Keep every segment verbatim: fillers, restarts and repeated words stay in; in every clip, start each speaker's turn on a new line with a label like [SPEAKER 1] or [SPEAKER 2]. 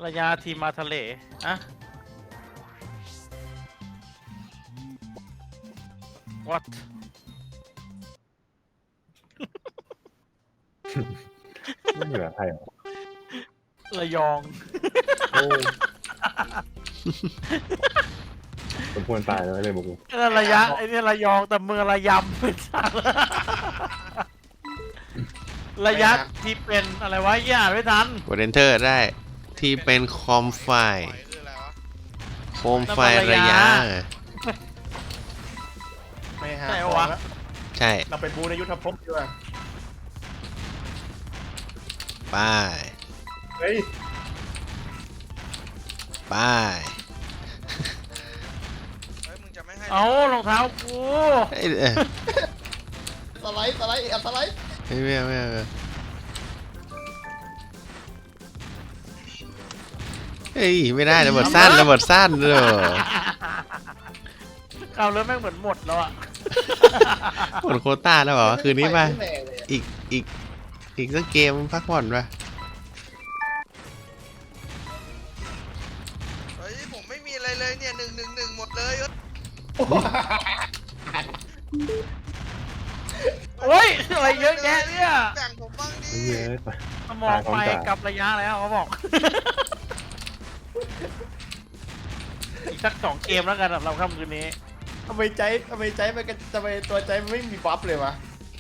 [SPEAKER 1] ระยะทีมมาทะเลอะwhat
[SPEAKER 2] ไม่เหลือใครหรอ
[SPEAKER 1] ระยอง
[SPEAKER 2] โอ้สมควรตายแล้วเลยบุก
[SPEAKER 1] นั่นระยะไอ้นี่ระยองแต่เมืองระยำเป็นสัตว์ระยะที่เป็นอะไรวะย่าไม่ทัน
[SPEAKER 3] กด enter ได้ที่เป็นคอมไฟโคมไฟระยะ
[SPEAKER 4] ไม่หา
[SPEAKER 1] ใช่
[SPEAKER 4] ของ
[SPEAKER 1] วะ
[SPEAKER 4] แล้ว
[SPEAKER 3] ใช่
[SPEAKER 4] เราไปบูในยุทธภพดีกว่า
[SPEAKER 3] ไป
[SPEAKER 4] เฮ้ย
[SPEAKER 3] ไป
[SPEAKER 5] เฮ้ยมึงจะไม่ให้
[SPEAKER 1] เอารองเท้ากู
[SPEAKER 3] เอ้ยเอ้ย
[SPEAKER 4] สไลด์สไลด์เอาสไลด์
[SPEAKER 3] ไม่ไม่ไม่ไม่เฮ้ยไม่ได้ระเบิดสั้นระเบิดสั้นเลย
[SPEAKER 1] เอาแล้วแม่งเหมือนหมดแล้วอ่ะ
[SPEAKER 3] หมดโควต้าแล้วเหรอคืนนี้ป่ะ
[SPEAKER 4] แรงเลยอะ
[SPEAKER 3] อีกอีกอีกสักเกมพักผ่อนป่ะ
[SPEAKER 5] เฮ้ยผมไม่มีอะไรเลยเนี่ยหนึ่งหนึ่งหนึ่งหมดเลย
[SPEAKER 1] โอ้ยอะไรเยอะแยะเนี่ย
[SPEAKER 5] แบ่งผมบ้างดิ
[SPEAKER 2] เยอะไป
[SPEAKER 1] สมองไปกับระยะแล้วเขาบอก อีกสักสองเกมแล้วกันสำหรับค่ำคืนนี้
[SPEAKER 4] ทำไมใจทำไมใจมันก็ทำไมตัวใจมันไม่มีบัฟเลยวะ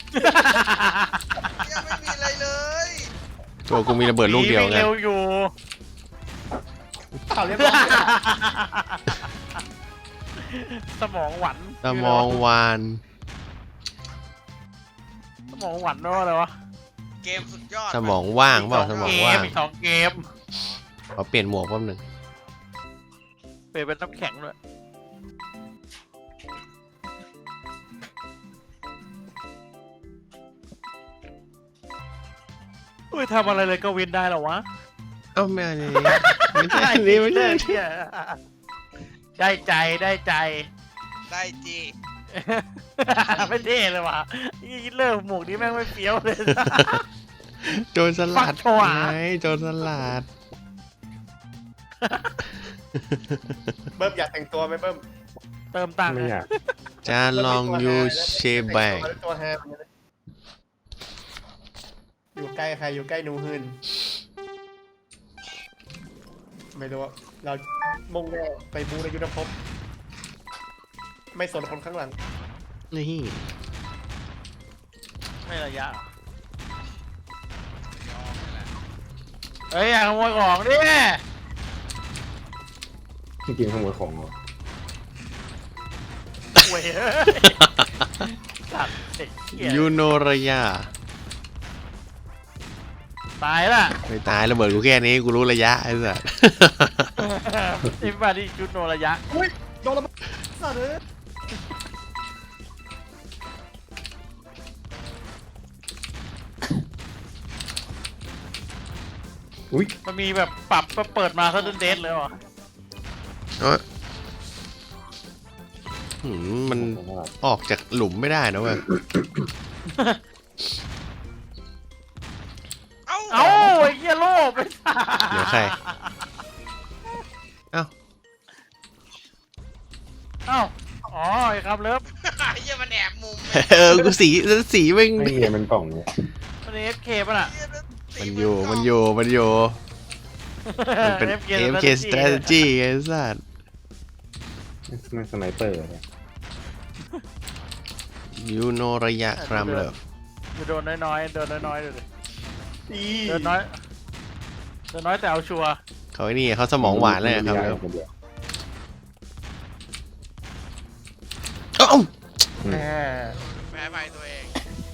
[SPEAKER 5] ยังไม่มีอะไรเลย
[SPEAKER 3] ตัวกูมีระเบิดลูกเดียวไง
[SPEAKER 1] เร็วอยู่
[SPEAKER 4] อ้าวเรียบร้อย
[SPEAKER 1] สมองหวัน
[SPEAKER 3] สมองวาน
[SPEAKER 1] สมองหวันว่าอะไรวะ
[SPEAKER 5] เกมสุดยอด
[SPEAKER 3] สมองว่างเปล่าสมอง
[SPEAKER 1] เก
[SPEAKER 3] ว่าม ง
[SPEAKER 1] อีกสองเกม
[SPEAKER 3] ขอเปลี่ยนหมวกแป๊บหนึง
[SPEAKER 1] เปลี่ยนเป็นน้ำแข็งด้วยอุ้ยทำอะไรเลยก็วินได้เหรอวะ
[SPEAKER 3] เอ้าไม่อันนี้ไม่ใช่อันนี้ไม่ใช่
[SPEAKER 1] เนี่ยได้ใจได้ใจ
[SPEAKER 5] ได้จี
[SPEAKER 1] ไม่เท่เลยว่ะยี่เลิกหมวกนี้แม่งไม่เฟี้ยวเลย
[SPEAKER 3] โจรสลัด
[SPEAKER 1] ฟักโชว์อะ
[SPEAKER 3] ไงโจรสลัด
[SPEAKER 4] เบิ้มอยากแต่งตัวไหมเบิ้ม
[SPEAKER 1] เติมตังค์
[SPEAKER 2] ไม่อยาก
[SPEAKER 3] จานลองยูเชแบง
[SPEAKER 4] แต่ตัวแฮมอย่างเงี้ยนะอยู่ใกล้ใครอยู่ใกล้หนูหืนไม่รู้อะเรามุ่งแน่ไปบูในยุทธภพไม่สนคนข้างหลัง
[SPEAKER 3] นี่
[SPEAKER 1] ไม่ระยะเหรอเฮ้ยอย่าขโมยของดิ
[SPEAKER 2] จริงๆขโมยของเหรอ
[SPEAKER 1] เว้ยสัตว์เด็กเหี้ย
[SPEAKER 3] ยูโนระยะ
[SPEAKER 1] ตายละ
[SPEAKER 3] ไม่ตายระเบิดกูแค่นี้กูรู้ระยะไอ้สัส
[SPEAKER 1] อิมบาดีจุดโนระยะ
[SPEAKER 4] อุ้ยโดนระเบิดสัตว์เลย
[SPEAKER 2] อุ้ย
[SPEAKER 1] มันมีแบบปรับเปิดมาซะเดนเดนเลยว่ะ
[SPEAKER 3] เอ้ยหืมมันออกจากหลุมไม่ได้นะเว้ย
[SPEAKER 5] เอ้า
[SPEAKER 1] เอ้าไอ้เหี้ยโลภไป
[SPEAKER 3] เดี๋ยวใคร เอ้า
[SPEAKER 1] เอ้าอ๋อไอ้ครับเลิฟ
[SPEAKER 5] ไอ้เหี้ยมันแอบมุม
[SPEAKER 3] เออกูสีสีแม่ง
[SPEAKER 2] ไม่เงี้ยมันกล่องเนี่ย
[SPEAKER 1] มันเอฟเคป่ะน่ะ
[SPEAKER 5] เหี้ยแล้วตี
[SPEAKER 3] มันอยู่มันอยู่มันอยู่มันเป็น
[SPEAKER 1] เอฟ
[SPEAKER 3] เอ็ม เค strategy ไอ้สัส
[SPEAKER 2] มันสไนเปอร์เนี่ย
[SPEAKER 3] ยูโนระยะครัมเลย
[SPEAKER 1] จะโดนน้อยๆโดนน้อยๆเลยดิ
[SPEAKER 4] อี
[SPEAKER 1] เดินน้อยเดินน้อยแต่เอาชัวร์
[SPEAKER 3] เขาไอ้นี่เขาสมองหวานเลยครับ
[SPEAKER 2] ไม่
[SPEAKER 3] เร็
[SPEAKER 2] ได้
[SPEAKER 3] ว
[SPEAKER 2] คนเดียว
[SPEAKER 3] เอ้า
[SPEAKER 1] แหม
[SPEAKER 5] แพ้ไปตัวเอง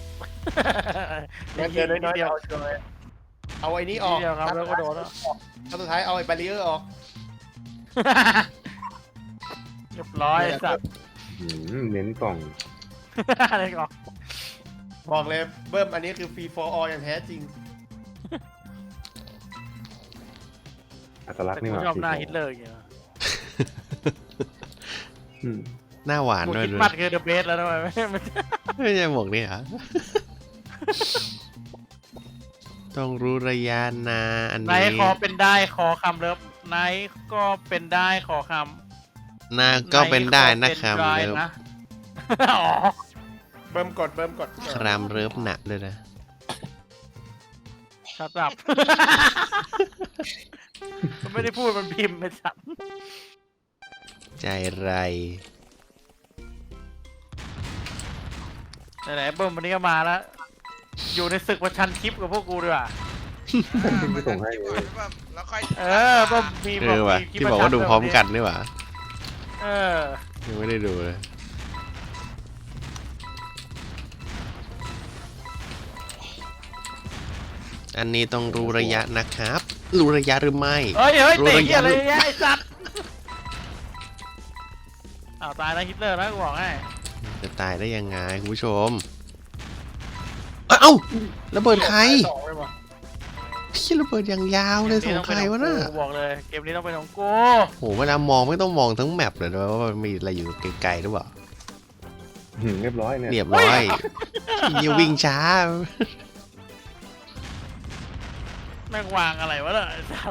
[SPEAKER 4] งั้นเดินน้อยๆเอาชัวร์เลยเอาไอ้นี้ออก
[SPEAKER 1] เดียวครับแล้วก็โดนแล้ว
[SPEAKER 4] ครั้งสุดท้ายเอาไอ้บาริเออร์ออก
[SPEAKER 1] เรียบร้อยสัตว์
[SPEAKER 2] อืมเน้นกล่อง
[SPEAKER 1] อะไรก่อน
[SPEAKER 4] บอกเลยเบิ้มอันนี้คือฟรี for all อย่างแท้จริง
[SPEAKER 2] อัตลักษ
[SPEAKER 1] แต่
[SPEAKER 2] ณ์นี่
[SPEAKER 1] กู
[SPEAKER 2] หว่า
[SPEAKER 1] ชอบหน้าฮิตเลอร์อย่างเงี้ย
[SPEAKER 2] อืม
[SPEAKER 3] หน้าหวาน
[SPEAKER 1] กู
[SPEAKER 3] ด้วย
[SPEAKER 1] คิด
[SPEAKER 3] ด้วย
[SPEAKER 1] ปัดคือเดอะเบสแล้วทำไมไม่ไม่
[SPEAKER 3] ไม่ใช่หมวกนี่เหรอต้องรู้ระยะนะอัน
[SPEAKER 1] ไน
[SPEAKER 3] นี้
[SPEAKER 1] ท์ขอเป็นได้ขอคำเลิฟไนท์ก็เป็นได้ขอคำ
[SPEAKER 3] นาก็เป็นได้นะครับ
[SPEAKER 1] ไท์ขอ
[SPEAKER 3] เลิ
[SPEAKER 1] เป็น
[SPEAKER 3] ฟ
[SPEAKER 1] ได้นะ อ๋อ
[SPEAKER 4] เบิ่มกดเบิ่มกด
[SPEAKER 3] ครามเลิฟหนักด้วยนะ
[SPEAKER 1] ชัดจับ มันไม่ได้พูดมันพิมพ์ไปสัตว์
[SPEAKER 3] ใจไร
[SPEAKER 1] ไหนๆเบิ้มวันนี้ก็มาแล้ว อยู่ในศึกประชันคลิปกับพวกกูดีกว่า
[SPEAKER 2] ไม่ส่งให้
[SPEAKER 5] คลิป
[SPEAKER 2] เล
[SPEAKER 5] ก่อย นแบบแล้วค่อย
[SPEAKER 1] เออเบิ้มมี
[SPEAKER 3] เอ
[SPEAKER 1] แบบ
[SPEAKER 3] อว่ะ
[SPEAKER 1] มีคลิป
[SPEAKER 3] ที่
[SPEAKER 1] ป
[SPEAKER 3] บ
[SPEAKER 1] ระ
[SPEAKER 3] อก
[SPEAKER 1] ชั
[SPEAKER 3] ว่าดูพร้อมกันนี่หว่า
[SPEAKER 1] เออ
[SPEAKER 3] ยังไม่ได้ดูเลย อันนี้ต้องรู้ระยะนะครับ รู้ระยะหรือไม่
[SPEAKER 1] เฮ้ยเฮ้ย
[SPEAKER 3] รู้
[SPEAKER 1] เตะ
[SPEAKER 3] ระ
[SPEAKER 1] เหี้ย
[SPEAKER 3] ยะ
[SPEAKER 1] อะไรเนี่ยไอ้สัตว์อ้าวตายแล้วฮิตเลอร์นะกูบอกให้
[SPEAKER 3] จะตายได้ยังไงคุณผู้ชม เอ้าเอ้าระเบิดใคร
[SPEAKER 4] สองเลยว่ะ
[SPEAKER 3] พี่ระเบิดอย่างยาวเลยของใครวะน่ะ
[SPEAKER 1] กูบอกเลยเกมนี้ต้องเป็นของกู
[SPEAKER 3] โหเวลามองไม่ต้องมองทั้งแมปเลยนะว่ามันมีอะไรอยู่ไกลๆหรือเปล่า
[SPEAKER 2] หืมเรียบร้อยเนี่ย
[SPEAKER 3] เรียบร้อยอย่าวิ่งช้า
[SPEAKER 1] แม่งวางอะไรวะเนี่ยไอ้สัตว์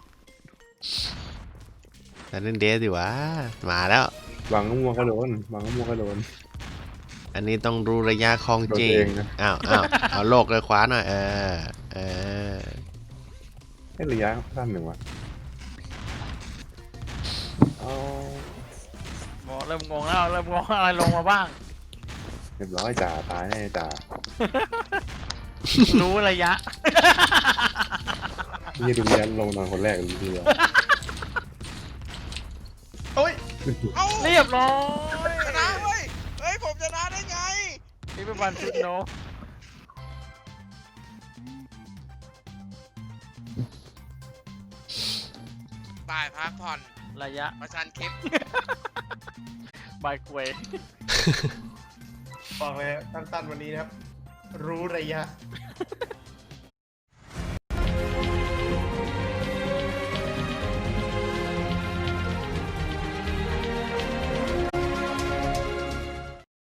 [SPEAKER 3] แต่เล่นเดสดิวะมาแล้ว
[SPEAKER 2] วางมัวก็โดนวางมัวก็โดน
[SPEAKER 3] อันนี้ต้องรู้ระยะของจริ
[SPEAKER 2] โดนเอง งนะ
[SPEAKER 3] อ้าวอ้าวเอาโลกเลยคว้าหน่อย เออ เออ
[SPEAKER 2] ให้ระยะสั้นหนึ่งวะเอา
[SPEAKER 1] บอกเริ่มงงแล้วเริ่มงงอะไรลงมาบ้าง
[SPEAKER 2] เรียบร้อยจ่าตายแน่จ่า
[SPEAKER 1] รู้ระยะ
[SPEAKER 2] นี่ดูเรียนลงนอนคนแรกเลยทีเดียว
[SPEAKER 4] โอ้ย
[SPEAKER 5] เอ้า
[SPEAKER 1] เรียบร้อย
[SPEAKER 5] ชนะเว้ยเฮ้ยผมชนะได้ไง
[SPEAKER 1] นี่เป็นวันชุดโน
[SPEAKER 5] ตายพักผ่อน
[SPEAKER 1] ระยะ
[SPEAKER 5] ประชันคลิป
[SPEAKER 1] บายกวย
[SPEAKER 4] บอกเลยสั้นๆวันนี้นะครับ รู้ระยะ